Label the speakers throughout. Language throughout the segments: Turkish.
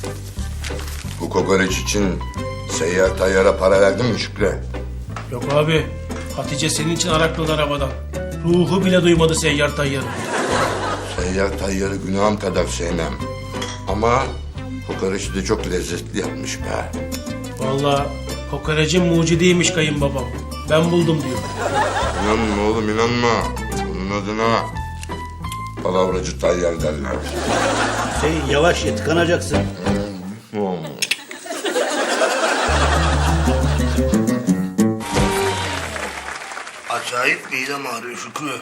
Speaker 1: Bu kokoreç için seyyar tayyara para verdin mi Şükrü?
Speaker 2: Yok abi. Hatice senin için arakladı arabadan. Ruhu bile duymadı seyyar tayyarı.
Speaker 1: Seyyar tayyarı günahım kadar sevmem. Ama kokoreçi de çok lezzetli yapmış be.
Speaker 2: Vallahi kokorecin mucidiymiş kayınbabam. Ben buldum diyor.
Speaker 1: İnanma oğlum inanma. Bunun adına palavracı tayyar derler.
Speaker 3: Hüseyin yavaş ye, tıkanacaksın.
Speaker 4: Acayip midem ağrıyor Şükrü.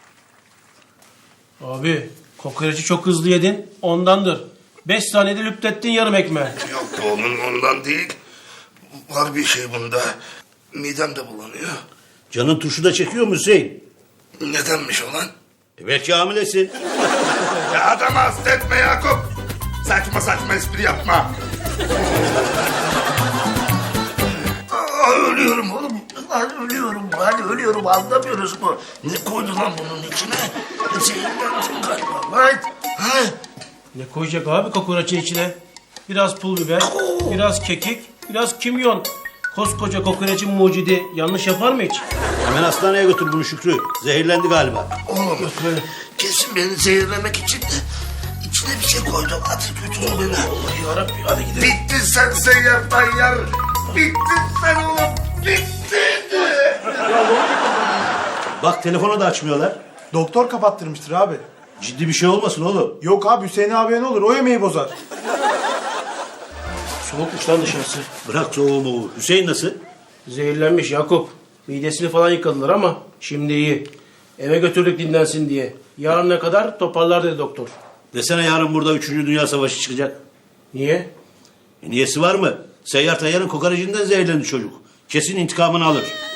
Speaker 2: Abi kokoreci çok hızlı yedin ondandır. 5 saniyede lüptettin yarım ekmeği.
Speaker 4: Yok oğlum ondan değil. Var bir şey bunda. Midem de bulanıyor.
Speaker 3: Canın tuşu da çekiyor mu Hüseyin?
Speaker 4: Nedenmiş olan?
Speaker 3: Belki hamilesin.
Speaker 1: Ya adamı hasta etme Yakup. Saçma saçma espri yapma.
Speaker 4: Ölüyorum oğlum. Lan ölüyorum anlamıyoruz mu? Ne koydu lan bunun içine? Zehirlendim galiba. Lan. Ha?
Speaker 2: Ne koyacak abi kokoreçin içine? Biraz pul biber, biraz kekik, biraz kimyon. Koskoca kokoreçin mucidi yanlış yapar mı hiç?
Speaker 3: Hemen hastaneye götür bunu Şükrü. Zehirlendi galiba.
Speaker 4: Oğlum kesin beni zehirlemek için de içine bir şey koydu. Hadi götür beni.
Speaker 2: Allah yarabbim hadi gidelim.
Speaker 4: Bittin sen seyyar tayyar. Bittin sen oğlum. Bittin.
Speaker 3: Bak telefonu da açmıyorlar.
Speaker 5: Doktor kapattırmıştır abi.
Speaker 3: Ciddi bir şey olmasın oğlum.
Speaker 5: Yok abi Hüseyin abiye ne olur o yemeği bozar.
Speaker 2: Soğukmuş lan dışarısı.
Speaker 3: Bırak soğuğu. Hüseyin nasıl?
Speaker 2: Zehirlenmiş Yakup. Midesini falan yıkadılar ama şimdi iyi. Eve götürdük dinlensin diye. Yarına kadar toparlar dedi doktor.
Speaker 3: Desene yarın burada 3. Dünya Savaşı çıkacak.
Speaker 2: Niye?
Speaker 3: Niyesi var mı? Seyyar Tayyar'ın kokorecinden zehirlendi çocuk. Kesin intikamını alır.